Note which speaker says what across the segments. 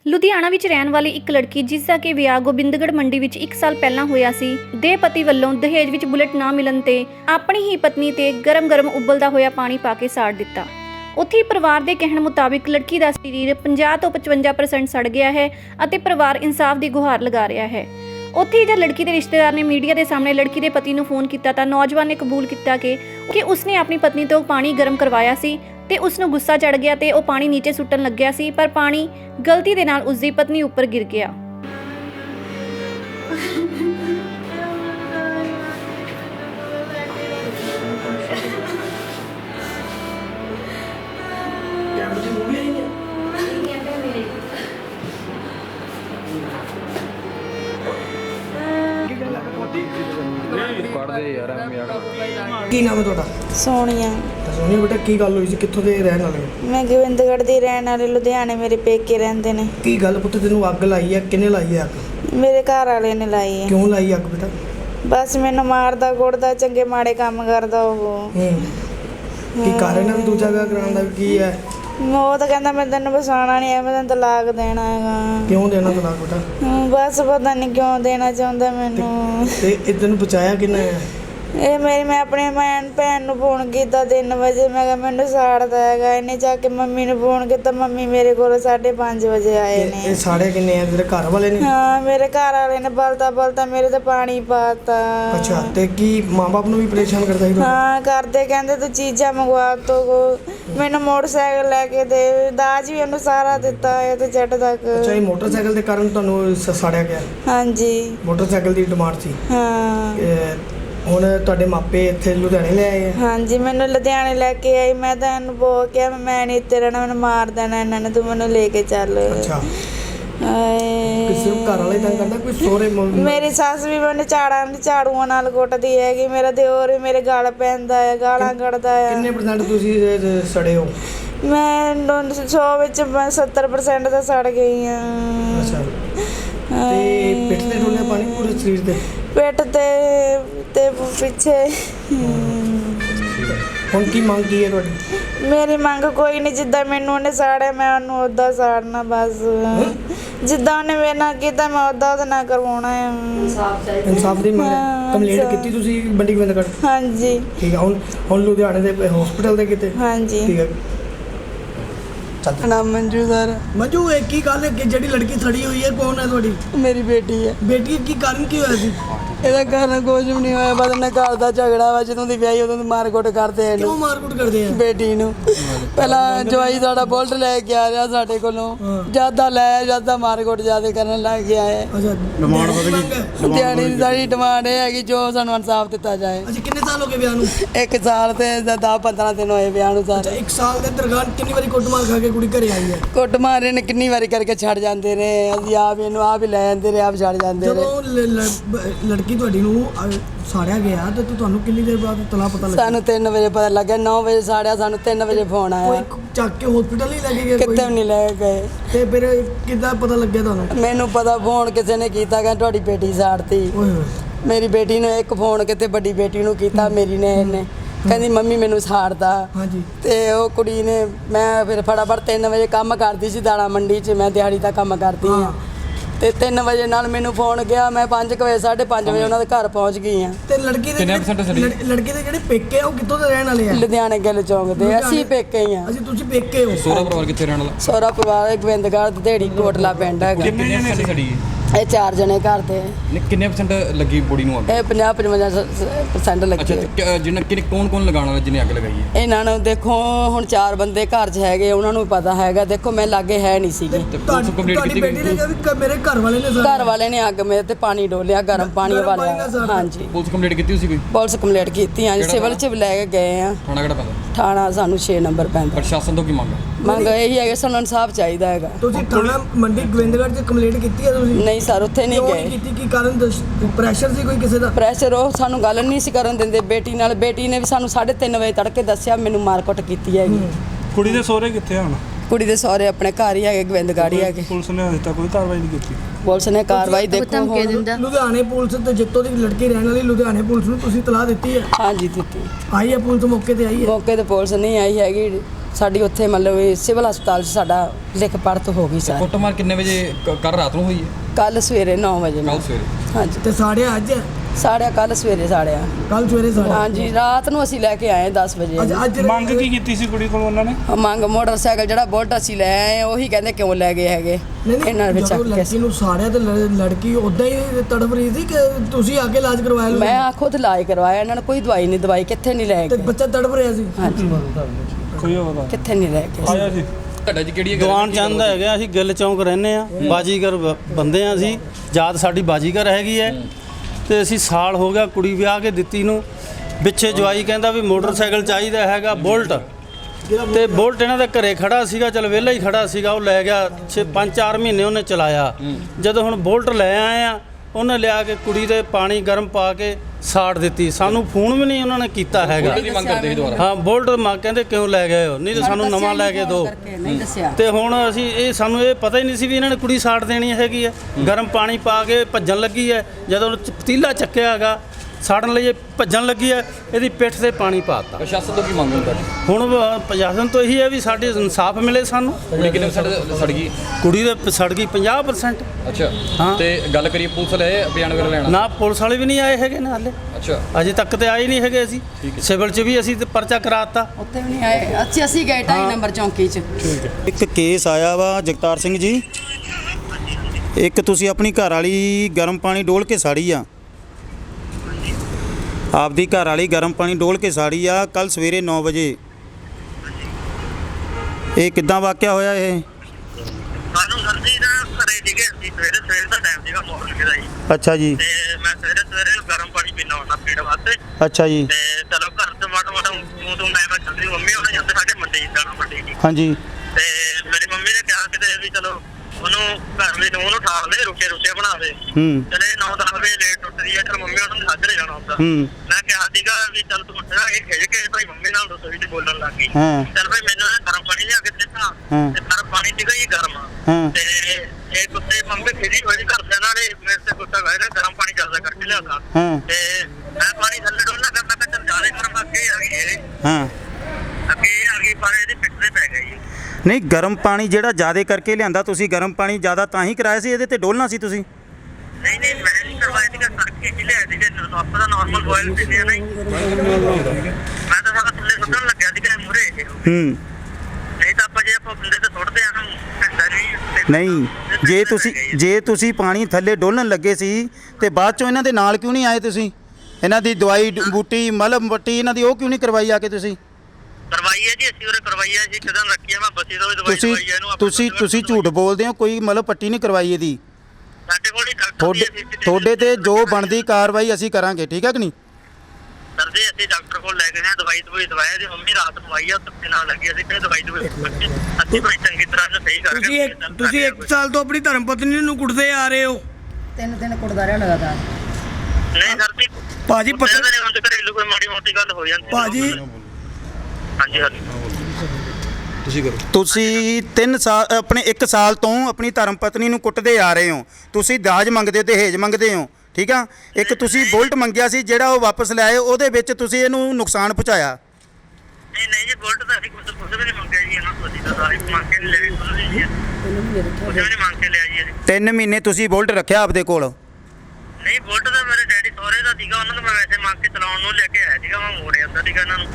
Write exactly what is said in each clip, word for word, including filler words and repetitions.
Speaker 1: ਲੁਧਿਆਣਾ ਵਿੱਚ ਰਹਿਣ ਵਾਲੀ ਇੱਕ ਲੜਕੀ ਜਿਸ ਦਾ ਕਿ ਵਿਆਹ ਗੋਬਿੰਦਗੜ੍ਹ ਮੰਡੀ ਵਿੱਚ ਇੱਕ ਸਾਲ ਪਹਿਲਾਂ ਹੋਇਆ ਸੀ ਦੇ ਪਤੀ ਵੱਲੋਂ ਦਹੇਜ ਵਿੱਚ ਬੁਲਟ ਨਾ ਮਿਲਣ ਤੇ ਆਪਣੀ ਹੀ ਪਤਨੀ ਤੇ ਗਰਮ-ਗਰਮ ਉਬਲਦਾ ਹੋਇਆ ਪਾਣੀ ਪਾ ਕੇ ਸਾੜ ਦਿੱਤਾ। ਉੱਥੇ ਪਰਿਵਾਰ ਦੇ ਕਹਿਣ ਮੁਤਾਬਿਕ ਲੜਕੀ ਦਾ ਸਰੀਰ ਪੰਜਾਹ ਤੋਂ ਪਚਵੰਜਾ ਪਰਸੈਂਟ ਸੜ ਗਿਆ ਹੈ ਅਤੇ ਪਰਿਵਾਰ ਇਨਸਾਫ ਦੀ ਗੁਹਾਰ ਲਗਾ ਰਿਹਾ ਹੈ। ਉੱਥੇ ਜਦ ਲੜਕੀ ਦੇ ਰਿਸ਼ਤੇਦਾਰ ਨੇ ਮੀਡੀਆ ਦੇ ਸਾਹਮਣੇ ਲੜਕੀ ਦੇ ਪਤੀ ਨੂੰ ਫੋਨ ਕੀਤਾ ਤਾਂ ਨੌਜਵਾਨ ਨੇ ਕਬੂਲ ਕੀਤਾ ਕਿ ਕਿ ਉਸਨੇ ਆਪਣੀ ਪਤਨੀ ਤੋਂ ਪਾਣੀ ਗਰਮ ਕਰਵਾਇਆ ਸੀ ਤੇ ਉਸ ਨੂੰ ਗੁੱਸਾ ਚੜ ਗਿਆ ਤੇ ਉਹ ਪਾਣੀ ਨੀਚੇ ਸੁੱਟਣ ਲੱਗਿਆ ਸੀ, ਪਰ ਪਾਣੀ ਗਲਤੀ ਦੇ ਨਾਲ ਉਸ ਦੀ ਪਤਨੀ ਉੱਪਰ ਗਿਰ ਗਿਆ।
Speaker 2: ਕੀ ਨਾਮ ਹੈ ਤੁਹਾਡਾ?
Speaker 3: ਸੋਨੀਆ।
Speaker 2: ਸੋਨੀਆ ਬੇਟਾ, ਕੀ ਗੱਲ ਹੋਈ ਸੀ? ਕਿੱਥੋਂ ਦੇ ਰਹਿਣ ਵਾਲੇ ਹੋ?
Speaker 3: ਮੈਂ ਗੋਬਿੰਦਗੜ੍ਹ ਦੀ ਰਹਿਣ ਵਾਲੀ, ਲੁਧਿਆਣੇ ਮੇਰੇ ਪੇਕੇ ਰਹਿੰਦੇ ਨੇ।
Speaker 2: ਕੀ ਗੱਲ ਪੁੱਤ, ਤੈਨੂੰ ਅੱਗ ਲਾਈ ਹੈ? ਕਿਹਨੇ ਲਾਈ ਹੈ ਅੱਗ?
Speaker 3: ਮੇਰੇ ਘਰ ਵਾਲੇ ਨੇ ਲਾਈ ਹੈ।
Speaker 2: ਕਿਉਂ ਲਾਈ ਅੱਗ ਬੇਟਾ?
Speaker 3: ਬਸ ਮੈਨੂੰ ਮਾਰਦਾ ਕੁੱਟਦਾ, ਚੰਗੇ ਮਾੜੇ ਕੰਮ ਕਰਦਾ ਉਹ।
Speaker 2: ਹੂੰ ਕੀ ਕਾਰਨ ਹੈ ਵੀ ਦੂਜਾ ਵਿਆਹ ਕਰਾਉਣ ਦਾ? ਕੀ ਹੈ?
Speaker 3: ਉਹ ਤਾਂ ਕਹਿੰਦਾ ਮੈਂ ਤੈਨੂੰ ਵਸਾਉਣਾ ਨਹੀਂ ਹੈ, ਮੈਂ ਤੈਨੂੰ ਤਲਾਕ ਦੇਣਾ ਹੈਗਾ।
Speaker 2: ਕਿਉਂ ਦੇਣਾ ਤਲਾਕ ਬੇਟਾ?
Speaker 3: ਹੂੰ, ਬਸ ਪਤਾ ਨਹੀਂ ਕਿਉਂ ਦੇਣਾ ਚਾਹੁੰਦਾ ਮੈਨੂੰ।
Speaker 2: ਤੇ ਇਹ ਤੈਨੂੰ ਬਚਾਇਆ ਕਿਹਨੇ ਹੈ?
Speaker 3: ਇਹ ਮੇਰੀ ਮੈਂ ਆਪਣੀ ਭੈਣ ਭੈਣ ਨੂੰ ਫੋਨ ਕੀਤਾ ਤਿੰਨ ਵਜੇ। ਮੈਂ ਕਿਹਾ ਮੈਨੂੰ ਸਾੜਦਾ ਹੈਗਾ। ਇਹਨੇ ਜਾ ਕੇ ਮੰਮੀ ਨੂੰ ਫੋਨ ਕੀਤਾ, ਮੰਮੀ ਮੇਰੇ ਕੋਲ ਸਾਢੇ ਪੰਜ ਵਜੇ ਆਏ
Speaker 2: ਇਹ
Speaker 3: ਨੇ।
Speaker 2: ਸਾੜੇ ਕਿੰਨੇ ਆ? ਤੇਰੇ ਘਰ ਵਾਲੇ ਨੇ?
Speaker 3: ਹਾਂ, ਮੇਰੇ ਘਰ ਵਾਲੇ ਨੇ ਬਲਦਾ ਬਲਦਾ ਮੇਰੇ ਤੇ ਪਾਣੀ ਪਾਤਾ।
Speaker 2: ਅੱਛਾ, ਤੇ ਕੀ ਮਾਂ-ਬਾਪ ਨੂੰ ਵੀ ਪਰੇਸ਼ਾਨ ਕਰਦਾ ਸੀ?
Speaker 3: ਹਾਂ ਕਰਦੇ, ਕਹਿੰਦੇ ਤੂੰ ਚੀਜ਼ਾਂ ਮੰਗਵਾ ਤੋ ਮੈਨੂੰ ਮੋਟਰਸਾਈਕਲ ਲੈ ਕੇ ਦੇ। ਦਾਜ ਵੀ ਉਹਨੂੰ ਸਾਰਾ ਦਿੱਤਾ ਹੈ ਤੇ ਜੱਟ ਤੱਕ।
Speaker 2: ਅੱਛਾ, ਇਹ ਮੋਟਰਸਾਈਕਲ ਦੇ ਕਾਰਨ ਤੁਹਾਨੂੰ ਸ- ਸਾੜਿਆ ਗਿਆ?
Speaker 3: ਹਾਂਜੀ।
Speaker 2: ਮੋਟਰਸਾਈਕਲ ਦੀ ਡਿਮਾਂਡ ਸੀ?
Speaker 3: ਹਾਂ।
Speaker 2: ਇਹ ਹੁਣ ਤੁਹਾਡੇ ਮਾਪੇ ਇੱਥੇ ਲੁਧਿਆਣੇ ਲੈ ਆਏ ਆ?
Speaker 3: ਹਾਂਜੀ, ਮੈਨੂੰ ਲੁਧਿਆਣੇ ਲੈ ਕੇ ਆਈ। ਮੈਂ ਤਾਂ ਇਹਨੂੰ ਬੋਲ ਕਿਹਾ ਮੈਂ ਨਹੀਂ ਇੱਥੇ ਰਹਿਣਾ, ਮੈਨੂੰ ਮਾਰ ਦੇਣਾ ਇਹਨਾਂ ਨੇ, ਤੂੰ ਮੈਨੂੰ ਲੈ ਕੇ ਚੱਲ।
Speaker 2: ਅੱਛਾ,
Speaker 3: ਹਾਏ।
Speaker 2: ਕਿਸੇ ਘਰ ਵਾਲੇ ਤੰਗ ਕਰਦਾ? ਕੋਈ ਸਹੁਰੇ ਮ-
Speaker 3: ਮੇਰੀ ਸੱਸ ਵੀ ਮੈਨੂੰ ਝਾੜਾਂ ਝਾੜੂਆਂ ਨਾਲ ਕੁੱਟਦੀ ਹੈਗੀ। ਮੇਰਾ ਦਿਓਰ ਵੀ ਮੇਰੇ ਗਲ ਪੈਂਦਾ ਹੈ, ਗਾਲਾਂ ਕੱਢਦਾ ਹੈ।
Speaker 2: ਕਿੰਨੇ ਪਰਸੈਂਟ ਤੁਸੀਂ ਇਹ ਸੜੇ ਹੋ?
Speaker 3: ਮੈਂ ਸੌ ਵਿੱਚ ਮੈਂ ਸੱਤਰ ਪਰਸੈਂਟ ਤਾਂ ਸੜ ਗਈ ਹਾਂ।
Speaker 2: ਅੱਛਾ, ਤੇ ਪਿੱਠ ਤੇ ਡੋਲਿਆ ਪਾਣੀ ਪੂਰੇ ਸਰੀਰ ਤੇ?
Speaker 3: ਪਿੱਠ ਤੇ ਤੇ ਪਿੱਛੇ।
Speaker 2: ਹੁਣ ਕੀ ਮੰਗ ਕੀ ਹੈ ਤੁਹਾਡੀ?
Speaker 3: ਮੇਰੀ ਮੰਗ ਕੋਈ ਨਹੀਂ, ਜਿੱਦਾਂ ਮੈਨੂੰ ਉਹਨੇ ਸਾੜਿਆ ਮੈਂ ਉਹਨੂੰ ਉੱਦਾਂ ਸਾੜਨਾ ਬਸ। ਜਿੱਦਾਂ ਉਹਨੇ ਮੇਰੇ ਨਾਲ ਕੀਤਾ ਮੈਂ ਉੱਦਾਂ ਉਹਦੇ ਨਾਲ ਕਰਵਾਉਣਾ ਹੈ।
Speaker 2: ਇਨਸਾਫ ਦੀ ਮੰਗ ਹੈ?
Speaker 3: ਹਾਂ,
Speaker 2: ਕੰਪਲੇਂਟ
Speaker 3: ਇਨਸਾਫ਼।
Speaker 2: ਕੀਤੀ ਤੁਸੀਂ ਮੰਡੀ ਗੋਬਿੰਦਗੜ੍ਹ?
Speaker 3: ਹਾਂਜੀ।
Speaker 2: ਠੀਕ ਹੈ, ਹੁਣ ਹੁਣ ਲੁਧਿਆਣੇ ਦੇ ਹਸਪੀਟਲ ਦੇ ਕਿਤੇ?
Speaker 3: ਹਾਂਜੀ।
Speaker 2: ਠੀਕ ਹੈ।
Speaker 4: ਨਾਮ ਮੰਜੂ ਸਰ।
Speaker 2: ਮੰਜੂ, ਇਹ ਕੀ ਗੱਲ ਹੈ ਕਿ ਜਿਹੜੀ ਲੜਕੀ ਸੜੀ ਹੋਈ ਹੈ ਕੌਣ ਹੈ ਤੁਹਾਡੀ?
Speaker 4: ਮੇਰੀ ਬੇਟੀ ਹੈ।
Speaker 2: ਬੇਟੀ, ਕੀ ਕਾਰਨ ਕੀ ਹੋਇਆ ਸੀ?
Speaker 4: ਇਹਦਾ ਕਾਰਨ ਕੁਝ ਵੀ ਨਹੀਂ ਹੋਇਆ, ਬਸ ਇਹਨਾਂ ਘਰ ਦਾ ਝਗੜਾ ਵਾ। ਜਦੋਂ ਦੀ ਵਿਆਹੀ ਉਦੋਂ ਦੀ ਮਾਰਕੁੱਟ ਕਰਦੇ ਆ
Speaker 2: ਕਿਉਂ
Speaker 4: ਇਹਨੂੰ,
Speaker 2: ਮਾਰਕੁੱਟ ਕਰਦੇ ਆ?
Speaker 4: ਬੇਟੀ ਨੂੰ। ਪਹਿਲਾਂ ਜਵਾਈ ਸਾਡਾ ਬੁਲਟ ਲੈ ਕੇ ਆ ਰਿਹਾ ਸਾਡੇ ਕੋਲੋਂ, ਜਿਆਦਾ ਲੈ ਜਿਆਦਾ ਮਾਰਕੁੱਟ ਜਿਆਦਾ ਕਰਨ ਲੱਗ ਗਿਆ ਹੈ।
Speaker 2: ਅੱਛਾ, ਡਿਮਾਂਡ ਵਧ ਗਈ?
Speaker 4: ਦਿਹਾੜੀ ਦੀ ਸਾਡੀ ਡਿਮਾਂਡ ਇਹ ਹੈਗੀ ਜੋ ਸਾਨੂੰ ਇਨਸਾਫ ਦਿੱਤਾ ਜਾਏ।
Speaker 2: ਅੱਛਾ, ਕਿੰਨੇ ਸਾਲ ਹੋ ਗਏ ਵਿਆਹ ਨੂੰ?
Speaker 4: ਇੱਕ ਸਾਲ ਤੇ ਦਸ ਪੰਦਰਾਂ ਦਿਨ ਹੋਏ ਵਿਆਹ ਨੂੰ ਸਾਰੇ।
Speaker 2: ਇੱਕ ਸਾਲ ਦੇ ਦਰਗਾਨ ਕਿੰਨੀ ਵਾਰੀ ਕੁੱਟਮਾਰ ਖਾ ਕੇ ਕੁੜੀ ਘਰੇ ਆਈ ਹੈ?
Speaker 4: ਕੁੱਟ ਮਾਰੇ ਨੇ ਕਿੰਨੀ ਵਾਰੀ ਕਰਕੇ ਛੱਡ ਜਾਂਦੇ ਨੇ। ਅਸੀਂ ਆਪ ਇਹਨੂੰ ਆਪ ਹੀ ਲੈ ਜਾਂਦੇ ਨੇ, ਆਪ ਛੱਡ ਜਾਂਦੇ ਨੇ।
Speaker 2: ਜਦੋਂ ਲ- ਲ- ਬ- ਲੜਕੀ ਤੁਹਾਡੀ ਨੂੰ ਅ, ਸਾੜਿਆ ਗਿਆ ਤੇ ਤੁ- ਤੁਹਾਨੂੰ ਕਿੰਨੀ ਦੇਰ ਬਾਅਦ ਤਲਾ ਪਤਾ ਲੱਗਾ?
Speaker 4: ਸਾਨੂੰ ਤਿੰਨ ਵਜੇ ਪਤਾ ਲੱਗਿਆ, ਨੌ ਵਜੇ ਸਾੜਿਆ, ਸਾਨੂੰ ਤਿੰਨ ਵਜੇ ਫੋਨ ਆਇਆ।
Speaker 2: ਕੋਈ ਚੱਕ ਕੇ ਹਸਪੀਟਲ ਨਹੀਂ ਲੈ ਕੇ ਗਏ?
Speaker 4: ਕਿਤੇ ਵੀ ਨਹੀਂ ਲੈ ਗਏ।
Speaker 2: ਤੇ ਫਿਰ ਕਿੱਦਾਂ ਪਤਾ ਲੱਗਿਆ ਤੁਹਾਨੂੰ?
Speaker 4: ਮੈਨੂੰ ਪਤਾ ਫੋਨ ਕਿਸੇ ਨੇ ਕੀਤਾ ਕਿ ਤੁਹਾਡੀ ਬੇਟੀ ਸਾੜਤੀ।
Speaker 2: ਓਏ ਹੋਏ।
Speaker 4: ਮੇਰੀ ਬੇਟੀ ਨੂੰ ਇੱਕ ਫੋਨ ਕਿਤੇ ਵੱਡੀ ਬੇਟੀ ਨੂੰ ਕੀਤਾ, ਮੇਰੀ ਨੇ ਇਹਨੇ ਕਹਿੰਦੀ ਮੰਮੀ ਮੈਨੂੰ ਸਾੜਦਾ।
Speaker 2: ਹਾਂਜੀ।
Speaker 4: ਤੇ ਉਹ ਕੁੜੀ ਨੇ, ਮੈਂ ਫਿਰ ਫਟਾਫਟ ਤਿੰਨ ਵਜੇ ਕੰਮ ਕਰਦੀ ਸੀ ਦਾਣਾ ਮੰਡੀ 'ਚ, ਮੈਂ ਦਿਹਾੜੀ ਦਾ ਕੰਮ ਕਰਦੀ ਹਾਂ। ਤੇ ਤਿੰਨ ਵਜੇ ਨਾਲ ਮੈਨੂੰ ਫੋਨ ਗਿਆ, ਮੈਂ ਪੰਜ ਕੁ ਵਜੇ ਸਾਢੇ ਪੰਜ ਵਜੇ ਉਹਨਾਂ ਦੇ ਘਰ ਪਹੁੰਚ ਗਈ ਹਾਂ।
Speaker 2: ਤੇ ਲੜਕੀ ਦੇ ਜਿਹੜੇ- ਲੜ- ਲੜਕੇ ਦੇ ਜਿਹੜੇ ਪੇਕੇ ਆ ਉਹ ਕਿੱਥੋਂ ਦੇ ਰਹਿਣ ਵਾਲੇ ਆ?
Speaker 4: ਲੁਧਿਆਣੇ ਗਿੱਲ ਚੌਂਕ ਦੇ। ਅਸੀਂ ਪੇਕੇ ਹੀ ਹਾਂ।
Speaker 2: ਅਸੀਂ ਤੁਸੀਂ ਪੇਕੇ ਹੋ?
Speaker 5: ਸੋਹਰਾ ਪਰਿਵਾਰ ਕਿੱਥੇ ਰਹਿਣ ਵਾਲਾ?
Speaker 4: ਸਹੁਰਾ ਪਰਿਵਾਰ ਗੋਬਿੰਦਗੜ੍ਹ ਢੇੜੀ ਕੋਟਲਾ ਪਿੰਡ ਹੈਗਾ।
Speaker 5: ਕਿੰਨੇ ਜਣੇ ਸੜੀ?
Speaker 4: ਇਹ ਚਾਰ ਜਣੇ ਘਰ ਦੇ।
Speaker 5: ਨੇ ਕਿੰਨੇ ਪਰਸੈਂਟ ਲੱਗੀ ਬੋਡੀ ਨੂੰ ਅੱਗ?
Speaker 4: ਇਹ ਪੰਜਾਹ ਪਚਵੰਜਾ ਪਰਸੈਂਟ ਲੱਗੀ
Speaker 5: ਅੱਛਾ,
Speaker 4: ਹੈ।
Speaker 5: ਤੇ ਜਿਹਨੇ ਕਿਨੇ ਕੌਣ ਕੌਣ ਲਗਾਉਣ ਵਾਲਾ ਜਿਹਨੇ ਅੱਗ ਲਗਾਈ ਹੈ?
Speaker 4: ਇਹਨਾਂ ਨੂੰ ਦੇਖੋ ਹੁਣ ਚਾਰ ਬੰਦੇ ਘਰ 'ਚ ਹੈਗੇ, ਉਹਨਾਂ ਨੂੰ ਪਤਾ ਹੈਗਾ। ਦੇਖੋ ਮੈਂ ਲਾਗੇ ਹੈ ਨਹੀਂ ਸੀਗੀ।
Speaker 5: ਤੇ ਪੁਲਿਸ
Speaker 2: ਤੁਹਾਡੀ
Speaker 5: ਕੰਪਲੀਟ
Speaker 2: ਤੁਹਾਡੀ
Speaker 5: ਕੀਤੀ
Speaker 2: ਬੇਟੀ ਨੇ
Speaker 5: ਗਈ?
Speaker 2: ਕਿਹਾ ਵੀ ਕ- ਮੇਰੇ ਘਰ ਵਾਲੇ ਨੇ ਸਾੜਿਆ।
Speaker 4: ਘਰ ਵਾਲੇ ਨੇ ਅੱਗ ਮੇਰੇ ਤੇ ਪਾਣੀ ਡੋਲਿਆ, ਗਰਮ ਪਾਣੀ
Speaker 2: ਗਰਮ ਪਾਣੀ
Speaker 4: ਵਾਲਿਆ।
Speaker 2: ਨਾਲ ਸਾੜਿਆ?
Speaker 4: ਹਾਂਜੀ,
Speaker 5: ਪੁਲਿਸ ਕੰਪਲੀਟ ਕੀਤੀ ਸੀ ਕੋਈ?
Speaker 4: ਪੁਲਿਸ ਕੰਪਲੇਂਟ ਕੀਤੀ ਹਾਂ ਜੀ,
Speaker 5: ਕਿਹੜਾ
Speaker 4: ਸਿਵਲ 'ਚ ਵੀ ਲੈ ਕੇ ਗਏ ਆ।
Speaker 5: ਥਾਣਾ ਕਿਹੜਾ ਪੈਂਦਾ?
Speaker 4: ਥਾਣਾ ਸਾਨੂੰ ਛੇ ਨੰਬਰ ਪੈਂਦਾ।
Speaker 5: ਪ੍ਰਸ਼ਾਸਨ ਤੋਂ ਕੀ ਮੰਗ ਹੈ?
Speaker 4: ਮੰਗ ਇਹੀ ਹੈ ਕਿ ਸਾਨੂੰ ਇਨਸਾਫ ਚਾਹੀਦਾ ਹੈਗਾ।
Speaker 2: ਤੁਸੀਂ ਥਾਣਾ ਮੰਡੀ ਗੋਬਿੰਦਗੜ੍ਹ 'ਚ ਕੰਪਲੇਂਟ ਕੀਤੀ ਹੈ ਤੁਸੀਂ?
Speaker 4: ਨਹੀਂ ਸਰ, ਉੱਥੇ ਨਹੀਂ
Speaker 2: ਕਿਉਂ
Speaker 4: ਗਏ।
Speaker 2: ਕੀਤੀ? ਕੀ ਕਾਰਨ? ਪ੍ਰੈਸ਼ਰ ਸੀ ਕੋਈ ਕਿਸੇ ਦਾ?
Speaker 4: ਪ੍ਰੈਸ਼ਰ ਉਹ ਸਾਨੂੰ ਗੱਲ ਨਹੀਂ ਸੀ ਕਰਨ ਦਿੰਦੇ ਬੇਟੀ ਨਾਲ। ਬੇਟੀ ਨੇ ਵੀ ਸਾਨੂੰ ਸਾਢੇ ਤਿੰਨ ਵਜੇ ਤੜਕੇ ਦੱਸਿਆ ਮੈਨੂੰ ਮਾਰਕੁੱਟ ਕੀਤੀ ਹੈਗੀ।
Speaker 6: ਕੁੜੀ ਦੇ ਸਹੁਰੇ ਕਿੱਥੇ ਆ ਹੁਣ?
Speaker 4: ਕੁੜੀ ਦੇ ਸਹੁਰੇ ਆਪਣੇ ਘਰ ਹੀ ਹੈਗੇ, ਗੋਬਿੰਦਗੜ੍ਹ ਹੀ ਹੈਗੇ।
Speaker 6: ਪੁਲਿਸ ਨੇ ਹਜੇ ਤੱਕ ਕੋਈ ਕਾਰਵਾਈ ਨਹੀਂ ਕੀਤੀ।
Speaker 4: ਪੁਲਿਸ ਨੇ ਕਾਰਵਾਈ ਦੇਖੋ ਹੁਣ।
Speaker 2: ਲੁਧਿਆਣੇ ਪੁਲਿਸ ਤੇ ਜਿੱਤੋਂ ਦੀ ਲੜਕੀ ਰਹਿਣ ਵਾਲੀ ਲੁਧਿਆਣੇ ਪੁਲਿਸ ਨੂੰ ਤੁਸੀਂ ਤਲਾਹ ਦਿੱਤੀ ਹੈ?
Speaker 4: ਹਾਂਜੀ ਦਿੱਤੀ।
Speaker 2: ਆਈ ਹੈ ਪੁਲਿਸ? ਮੌਕੇ ਤੇ ਆਈ ਹੈ?
Speaker 4: ਮੌਕੇ ਤੇ ਪੁਲਿਸ ਨਹੀਂ ਆਈ ਹੈਗੀ। ਸਾਡੀ ਉੱਥੇ ਮਤਲਬ ਵੀ ਸਿਵਲ ਹਸਪਤਾਲ 'ਚ ਸਾਡਾ ਲਿਖ ਪੜਤ ਹੋ ਗਈ ਸਰ।
Speaker 5: ਕੁੱਟਮਾਰ ਕਿੰਨੇ ਵਜੇ ਕੱਲ ਰਾਤ ਨੂੰ ਹੋਈ ਹੈ?
Speaker 4: ਕੱਲ ਸਵੇਰੇ ਨੌ ਵਜੇ
Speaker 5: ਕੱਲ
Speaker 4: ਨਾਲ।
Speaker 5: ਸਵੇਰੇ।
Speaker 4: ਹਾਂਜੀ
Speaker 2: ਤੇ ਸਾੜਿਆ ਅੱਜ
Speaker 4: ਸਾੜਿਆ ਕੱਲ ਸਵੇਰੇ ਸਾੜਿਆ।
Speaker 2: ਕੱਲ ਸਵੇਰੇ ਸਾੜਿਆ।
Speaker 4: ਹਾਂਜੀ ਰਾਤ ਨੂੰ ਅਸੀਂ ਲੈ ਕੇ ਆਏ ਦਸ ਵਜੇ।
Speaker 2: ਅੱਜ ਅੱਜ
Speaker 6: ਮੰਗ ਕੀ ਕੀਤੀ ਸੀ ਕੁੜੀ ਕੋਲ ਉਹਨਾਂ ਨੇ?
Speaker 4: ਮੰਗ ਮੋਟਰਸਾਈਕਲ ਜਿਹੜਾ ਬੁਲਟ ਅਸੀਂ ਲੈ ਆਏ ਆ, ਉਹੀ ਕਹਿੰਦੇ ਕਿਉਂ ਲੈ ਗਏ ਹੈਗੇ
Speaker 2: ਨਹੀਂ ਨਹੀਂ
Speaker 4: ਇਹਨਾਂ ਵਿੱਚ
Speaker 2: ਜਦੋਂ
Speaker 4: ਚੱਕ ਕੇ।
Speaker 2: ਲੜਕੀ ਨੂੰ ਸਾੜਿਆ ਤੇ ਲੜ- ਲੜਕੀ ਉਦਾਂ ਹੀ ਤੜਫ ਰਹੀ ਸੀ ਕਿ ਤੁਸੀਂ ਆ ਕੇ ਇਲਾਜ ਕਰਵਾਇਆ ਲਓ?
Speaker 4: ਮੈਂ ਆ ਖੁਦ ਇਲਾਜ ਕਰਵਾਇਆ, ਇਹਨਾਂ ਨੇ ਕੋਈ ਦਵਾਈ ਨਹੀਂ ਦਵਾਈ ਕਿੱਥੇ ਨਹੀਂ ਲੈ
Speaker 2: ਤੇ
Speaker 4: ਗਏ।
Speaker 2: ਬੱਚਾ ਤੜਫ ਰਿਹਾ ਸੀ।
Speaker 4: ਹਾਂਜੀ
Speaker 6: ਕੋਈ ਹੋਦਾ
Speaker 4: ਕਿੱਥੇ ਨਹੀਂ ਲੈ ਗਏ।
Speaker 6: ਆਇਆ ਜੀ
Speaker 5: ਤੁਹਾਡਾ ਜੀ ਕਿਹੜੀ
Speaker 7: ਦੀਵਾਨ ਚੰਦ ਹੈਗਾ, ਅਸੀਂ ਗਿੱਲ ਚੌਂਕ ਰਹਿੰਦੇ ਆ, ਬਾਜੀਗਰ ਬ- ਬੰਦੇ ਆ ਅਸੀਂ, ਜਾਤ ਸਾਡੀ ਬਾਜੀਗਰ ਹੈਗੀ ਹੈ ਤੇ ਅਸੀਂ ਸਾਲ ਹੋ ਗਿਆ ਕੁੜੀ ਵਿਆਹ ਕੇ ਦਿੱਤੀ ਨੂੰ। ਪਿੱਛੇ ਜਵਾਈ ਕਹਿੰਦਾ ਵੀ ਮੋਟਰਸਾਈਕਲ ਚਾਹੀਦਾ ਹੈਗਾ ਬੁਲਟ, ਤੇ ਬੁਲਟ ਇਹਨਾਂ ਦੇ ਘਰੇ ਖੜਾ ਸੀਗਾ, ਚਲ ਵਿਹਲਾ ਹੀ ਖੜਾ ਸੀਗਾ, ਉਹ ਲੈ ਗਿਆ ਛੇ ਪੰਜ ਚਾਰ ਮਹੀਨੇ ਉਹਨੇ ਚਲਾਇਆ। ਜਦੋਂ ਹੁਣ ਬੁਲਟ ਲੈ ਆਏ ਆ, ਉਹਨੇ ਲਿਆ ਕੇ ਕੁੜੀ ਦੇ ਪਾਣੀ ਗਰਮ ਪਾ ਕੇ ਸਾੜ ਦਿੱਤੀ। ਸਾਨੂੰ ਫੋਨ ਵੀ ਨਹੀਂ ਉਹਨਾਂ ਨੇ ਕੀਤਾ ਹੈਗਾ।
Speaker 5: ਦੀ ਮੰਗ ਕਰਦੇ ਸੀ ਦੁਬਾਰਾ?
Speaker 7: ਹਾਂ ਬੁਲਟ ਮਾ ਕਹਿੰਦੇ ਕਿਉਂ ਲੈ ਗਏ ਹੋ, ਨਹੀਂ ਤਾਂ ਸਾਨੂੰ ਨਵਾਂ ਲੈ ਕੇ ਦਿਓ।
Speaker 4: ਨਹੀਂ ਦੱਸਿਆ।
Speaker 7: ਤੇ ਹੁਣ ਅਸੀਂ ਇਹ ਸਾਨੂੰ ਇਹ ਪਤਾ ਹੀ ਨਹੀਂ ਸੀ ਵੀ ਇਹਨਾਂ ਨੇ ਕੁੜੀ ਸਾੜ ਦੇਣੀ ਹੈਗੀ ਹੈ। ਗਰਮ ਪਾਣੀ ਪਾ ਕੇ ਭੱਜਣ ਲੱਗੀ ਹੈ, ਜਦੋਂ ਉਹ 'ਚ ਪਤੀਲਾ ਚੱਕਿਆ ਹੈਗਾ ਸਾੜਨ ਲਈ ਇਹ ਭੱਜਣ ਲੱਗੀ ਹੈ, ਇਹਦੀ ਪਿੱਠ ਤੇ ਪਾਣੀ ਪਾਤਾ।
Speaker 5: ਪ੍ਰਸ਼ਾਸਨ ਤੋਂ ਕੀ ਮੰਗ ਹੁੰਦਾ ਜੀ?
Speaker 7: ਹੁਣ ਬ- ਪ੍ਰਸ਼ਾਸਨ ਤੋਂ ਇਹੀ ਹੈ ਵੀ ਸਾਡੇ ਇਨਸਾਫ ਮਿਲੇ ਸਾਨੂੰ।
Speaker 5: ਕੁੜੀ ਕਿੰਨੇ percent ਸੜ ਗਈ?
Speaker 7: ਕੁੜੀ ਦੇ ਪ- ਸੜ ਗਈ ਪੰਜਾਹ ਪਰਸੈਂਟ।
Speaker 5: ਅੱਛਾ।
Speaker 7: ਹਾਂ।
Speaker 5: ਤੇ ਗੱਲ ਕਰੀਏ ਪੁਲਿਸ ਲੈ ਬਿਆਨ ਵਗੈਰਾ ਲੈਣਾ?
Speaker 7: ਨਾ ਪੁਲਿਸ ਵਾਲੇ ਵੀ ਨਹੀਂ ਆਏ ਹੈਗੇ ਨੇ ਹਾਲੇ,
Speaker 5: ਅੱਛਾ।
Speaker 7: ਅਜੇ ਤੱਕ ਤੇ ਆਏ ਨਹੀਂ ਹੈਗੇ। ਅਸੀਂ ਸਿਵਲ 'ਚ ਵੀ ਅਸੀਂ ਤੇ ਪਰਚਾ ਕਰਾਤਾ।
Speaker 4: ਉੱਥੇ ਵੀ ਨਹੀਂ ਆਏ। ਅੱਛਾ ਅਸੀਂ ਗਏ ਢਾਈ ਨੰਬਰ ਚੌਂਕੀ 'ਚ।
Speaker 8: ਇੱਕ ਕੇਸ ਆਇਆ ਵਾ ਜਗਤਾਰ ਸਿੰਘ ਜੀ, ਇੱਕ ਤੁਸੀਂ ਆਪਣੀ ਘਰ ਵਾਲੀ ਗਰਮ ਪਾਣੀ ਡੋਲ ਕੇ ਸਾੜੀ ਆ, ਆਪਦੀ ਘਰ ਵਾਲੀ ਗਰਮ ਪਾਣੀ ਡੋਲ ਕੇ ਸਾੜੀ ਆ ਕੱਲ ਸਵੇਰੇ ਨੌ ਵਜੇ। ਇਹ ਕਿੱਦਾਂ ਵਾਕਿਆ ਹੋਇਆ ਇਹ?
Speaker 9: ਸਾਨੂੰ ਸਰ ਜੀ ਨਾ ਘਰੇ ਸੀਗੇ ਅਸੀਂ ਸਵੇਰੇ ਸਵੇਰੇ ਦਾ ਟਾਈਮ ਸੀਗਾ ਮੋਰਨਿੰਗ ਦਾ ਜੀ।
Speaker 8: ਅੱਛਾ ਜੀ।
Speaker 9: ਤੇ ਮੈਂ ਸਵੇਰੇ ਸਵੇਰੇ ਗਰਮ ਪਾਣੀ ਪੀਣਾ ਹੁੰਦਾ ਪੀਣ ਵਾਸਤੇ।
Speaker 8: ਅੱਛਾ ਜੀ।
Speaker 9: ਤੇ ਚਲੋ ਘਰ ਤੋਂ ਮਾੜਾ ਮਾੜਾ ਤੂੰ ਤੂੰ ਮੈਂ ਮੈਂ ਚੱਲਦੀ ਮੰਮੀ ਉਹਨਾਂ ਜਾਂਦੇ ਸਾਡੇ ਮੰਡੀ ਜਾਣਾ ਮੰਡੀ ਜੀ।
Speaker 8: ਹਾਂਜੀ।
Speaker 9: ਤੇ ਮੇਰੀ ਮੰਮੀ ਨੇ ਕਿਹਾ ਕਿਤੇ ਵੀ ਚਲੋ ਉਹਨੂੰ ਘਰ ਵੀ ਨੂੰ ਉਹਨੂੰ ਠਾਲ ਦੇ ਰੋਟੀਆਂ ਰੋਟੀਆਂ ਬਣਾ ਦੇ।
Speaker 8: ਹੂੰ
Speaker 9: ਚਲੇ ਨੌ ਦਸ ਵਜੇ ਲੇਟ ਉੱਠਦੀ ਹੈ ਚਲ ਮੰਮੀ ਉਹਨਾਂ ਨੂੰ ਸਾਜਰੇ ਜਾਣਾ ਹੁੰਦਾ।
Speaker 8: ਹੂੰ
Speaker 9: ਮੈਂ ਕਿਹਾ ਸੀਗਾ ਵੀ ਚੱਲ ਤੂੰ ਉੱਠਣਾ ਇਹ ਖਿਜ ਕੇ ਭਾਈ ਮੰਮੀ ਨਾਲ ਰਸੋਈ 'ਚ ਬੋਲਣ ਲੱਗ ਗਈ।
Speaker 8: ਹਾਂ।
Speaker 9: ਚੱਲ ਭਾਈ ਮੈਨੂੰ ਇਹ ਗਰਮ ਪਾਣੀ ਲਿਆ ਕੇ ਦਿੱਤਾ।
Speaker 8: ਹਾਂ।
Speaker 9: ਤੇ ਗਰਮ ਪਾਣੀ ਸੀਗਾ ਜੀ ਗਰਮ।
Speaker 8: ਹਾਂ।
Speaker 9: ਤੇ ਇਹ ਕੁੱਤੇ ਮੰਮੀ ਖਿਜੀ ਹੋਈ ਘਰਦਿਆਂ ਨਾਲ ਇਹ ਮੇਰੇ ਤੇ ਗੁੱਸਾ ਕਰ ਰਿਹਾ ਗਰਮ ਪਾਣੀ ਜ਼ਿਆਦਾ ਕਰਕੇ ਲਿਆਤਾ।
Speaker 8: ਹਾਂ।
Speaker 9: ਤੇ ਮੈਂ ਪਾਣੀ ਥੱਲੇ ਡੋਲਣਾ ਕਰਨਾ ਮੈਂ ਚੱਲ ਜਾਰੇ ਗਰਮ ਅੱਗੇ ਆ ਗਈ ਇਹ
Speaker 8: ਹਾਂ।
Speaker 9: ਅੱਗੇ ਆ ਗਈ ਪਰ ਇਹਦੇ ਪਿੱਠ ਤੇ ਪੈ ਗਈ।
Speaker 8: ਨਹੀਂ ਗਰਮ ਪਾਣੀ ਜਿਹੜਾ ਜ਼ਿਆਦਾ ਕਰਕੇ ਲਿਆਂਦਾ ਤੁਸੀਂ, ਗਰਮ ਪਾਣੀ ਜ਼ਿਆਦਾ ਤਾਂ ਹੀ ਕਰਾਇਆ ਸੀ, ਇਹਦੇ ਤੇ ਡੋਲਣਾ ਸੀ ਤੁਸੀਂ।
Speaker 9: ਨਹੀਂ ਨਹੀਂ ਮੈਂ ਨਹੀਂ ਕਰਵਾਇਆ ਸੀਗਾ ਸੜਕੇ ਚ ਲਿਆ ਸੀਗਾ ਆਪਾਂ ਦਾ ਨਾਰਮਲ ਬੋਇਲ ਪੀਂਦੇ ਆ ਨਹੀਂ। ਮੈਂ ਤਾਂ ਸਾਰਾ ਥੱਲੇ ਸੁੱਟਣ ਲੱਗਿਆ ਸੀਗਾ ਮੂਰੇ ਇਹ।
Speaker 8: ਹੂੰ।
Speaker 9: ਨਹੀਂ ਤਾਂ ਆਪਾਂ ਜੇ ਆਪਾਂ ਬੰਦੇ ਤੇ ਸੁੱਟਦੇ ਆ ਨਾ ਘੰਟਾ ਨਹੀਂ।
Speaker 8: ਨਹੀਂ ਜੇ ਤੁਸੀਂ ਜੇ ਤੁਸੀਂ ਪਾਣੀ ਥੱਲੇ ਡੋਲਣ ਲੱਗੇ ਸੀ ਤੇ ਬਾਅਦ ਚੋਂ ਇਹਨਾਂ ਦੇ ਨਾਲ ਕਿਉਂ ਨਹੀਂ ਆਏ ਤੁਸੀਂ? ਇਹਨਾਂ ਦੀ ਦਵਾਈ ਡ- ਬੂਟੀ ਮਲਮ ਪੱਟੀ ਇਹਨਾਂ ਦੀ ਉਹ ਕਿਉਂ ਨਹੀਂ ਕਰਵਾਈ ਆ ਕੇ ਤੁਸੀਂ?
Speaker 9: ਕਰਵਾਈ ਹੈ ਜੀ ਅਸੀਂ ਉਹਨੇ ਕਰਵਾਈ ਹੈ ਜੀ ਇੱਕ ਦਿਨ ਰੱਖੀ ਹੈ ਮੈਂ ਬੱਸੀ ਤੋਂ ਵੀ ਦਵਾਈ
Speaker 8: ਤੁਸੀਂ
Speaker 9: ਦਵਾਈ ਹੈ ਇਹਨੂੰ।
Speaker 8: ਤੁਸੀਂ ਤੁਸੀਂ ਝੂਠ ਬੋਲਦੇ ਹੋ, ਕੋਈ ਮਲਮ ਪੱਟੀ ਨਹੀਂ ਕਰਵਾਈ ਇਹਦੀ।
Speaker 9: ਸਾਡੇ ਕੋਲ ਹੀ ਡਾਕਟਰ
Speaker 8: ਤੁਹਾਡੇ ਤੁਹਾਡੇ ਤੇ ਜੋ ਬਣਦੀ ਕਾਰਵਾਈ ਅਸੀਂ ਕਰਾਂਗੇ, ਠੀਕ ਹੈ ਕਿ ਨਹੀਂ?
Speaker 9: ਸਰ ਜੀ ਅਸੀਂ ਡਾਕਟਰ ਕੋਲ ਲੈ ਗਏ ਹਾਂ ਦਵਾਈ ਦਵਾਈ ਦਵਾਇਆ ਜੀ ਮੰਮੀ ਰਾਤ ਨੂੰ ਆਈ ਆ ਧੱਕੇ ਨਾਲ ਲੱਗੀ ਅਸੀਂ ਤੇ ਦਵਾਈ ਦਵਾਈ ਅਸੀਂ ਕੋਈ ਚੰਗੀ ਤਰ੍ਹਾਂ ਨਾਲ ਸਹੀ ਕਰਕੇ
Speaker 2: ਤੁਸੀਂ ਇੱਕ ਤੁਸੀਂ ਇੱਕ ਸਾਲ ਤੋਂ ਆਪਣੀ ਧਰਮ ਪਤਨੀ ਨੂੰ ਕੁੱਟਦੇ ਆ ਰਹੇ ਹੋ।
Speaker 4: ਤਿੰਨ ਦਿਨ ਕੁੱਟਦਾ ਰਿਹਾ ਲਗਾਤਾਰ।
Speaker 9: ਨਹੀਂ ਸਰ ਜੀ
Speaker 2: ਭਾਜੀ
Speaker 9: ਪਤਾ
Speaker 2: ਪਤਾ
Speaker 9: ਨਹੀਂ ਹੁਣ ਤੇ ਘਰੇਲੂ ਕੋਈ ਮਾੜੀ ਮੋਟੀ ਗੱਲ ਹੋ ਜਾਂਦੀ ਹੈ।
Speaker 2: ਭਾਜੀ
Speaker 9: ਹਾਂਜੀ ਹਾਂਜੀ
Speaker 5: ਤੁਸੀਂ ਕਰੋ।
Speaker 8: ਤੁਸੀਂ ਤਿੰਨ ਸਾਲ ਆਪਣੇ ਇੱਕ ਸਾਲ ਤੋਂ ਆਪਣੀ ਧਰਮ ਪਤਨੀ ਨੂੰ ਕੁੱਟਦੇ ਆ ਰਹੇ ਹੋ। ਤੁਸੀਂ ਦਾਜ ਮੰਗਦੇ ਹੋ, ਦਹੇਜ ਮੰਗਦੇ ਹੋ, ਠੀਕ ਆ। ਇੱਕ ਤੁਸੀਂ ਬੁਲਟ ਮੰਗਿਆ ਸੀ ਜਿਹੜਾ ਉਹ ਵਾਪਸ ਲੈ ਆਏ, ਉਹਦੇ ਵਿੱਚ ਤੁਸੀਂ ਇਹਨੂੰ ਨੁਕਸਾਨ ਪਹੁੰਚਾਇਆ।
Speaker 9: ਨਹੀਂ ਨਹੀਂ ਜੀ ਬੁਲਟ ਤਾਂ ਅਸੀਂ ਕੁਝ ਕੁਝ ਵੀ ਨਹੀਂ ਮੰਗਿਆ ਜੀ ਇਹਨਾਂ ਤੋਂ ਅਸੀਂ ਤਾਂ ਸਾਰੀ ਮੰਗ ਕੇ ਲੈ ਕੁਝ ਵੀ ਨਹੀਂ ਕੁਝ ਵੀ ਨਹੀਂ ਮੰਗ ਕੇ ਲਿਆ ਜੀ ਅਸੀਂ।
Speaker 8: ਤਿੰਨ ਮਹੀਨੇ ਤੁਸੀਂ ਬੁਲਟ ਰੱਖਿਆ ਆਪਦੇ ਕੋਲ।
Speaker 9: ਨਹੀਂ ਬੁਲਟ ਤਾਂ ਮੇਰੇ ਡੈਡੀ ਸਹੁਰੇ ਦਾ ਸੀਗਾ, ਉਹਨਾਂ ਨੂੰ ਮੈਂ ਵੈਸੇ ਮੰਗ ਕੇ ਚਲਾਉਣ ਨੂੰ ਲੈ ਕੇ ਆਇਆ ਸੀਗਾ, ਮੈਂ ਮੋੜਿਆ ਹੁੰਦਾ ਸੀਗਾ ਇਹਨਾਂ ਨੂੰ।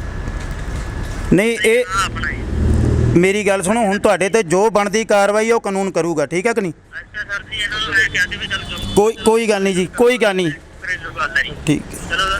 Speaker 8: ਨਹੀਂ ਇਹ
Speaker 9: ਹਾਂ ਆਪਣਾ ਜੀ।
Speaker 8: ਮੇਰੀ ਗੱਲ ਸੁਣੋ, ਹੁਣ ਤੁਹਾਡੇ ਤੇ ਜੋ ਬਣਦੀ ਕਾਰਵਾਈ ਉਹ ਕਾਨੂੰਨ ਕਰੂਗਾ, ਠੀਕ ਹੈ ਕਿ ਨਹੀਂ?
Speaker 9: ਅੱਛਾ ਸਰ ਜੀ ਇਹਨਾਂ ਨੂੰ ਮੈਂ ਕਿਹਾ ਸੀ ਵੀ ਚਲ
Speaker 8: ਕੋਈ ਕੋਈ ਗੱਲ ਨਹੀਂ ਜੀ, ਕੋਈ ਗੱਲ ਨਹੀਂ,
Speaker 9: ਘਰੇਲੂ ਗੱਲ ਹੈ ਜੀ।
Speaker 8: ਠੀਕ ਹੈ।
Speaker 9: ਚਲੋ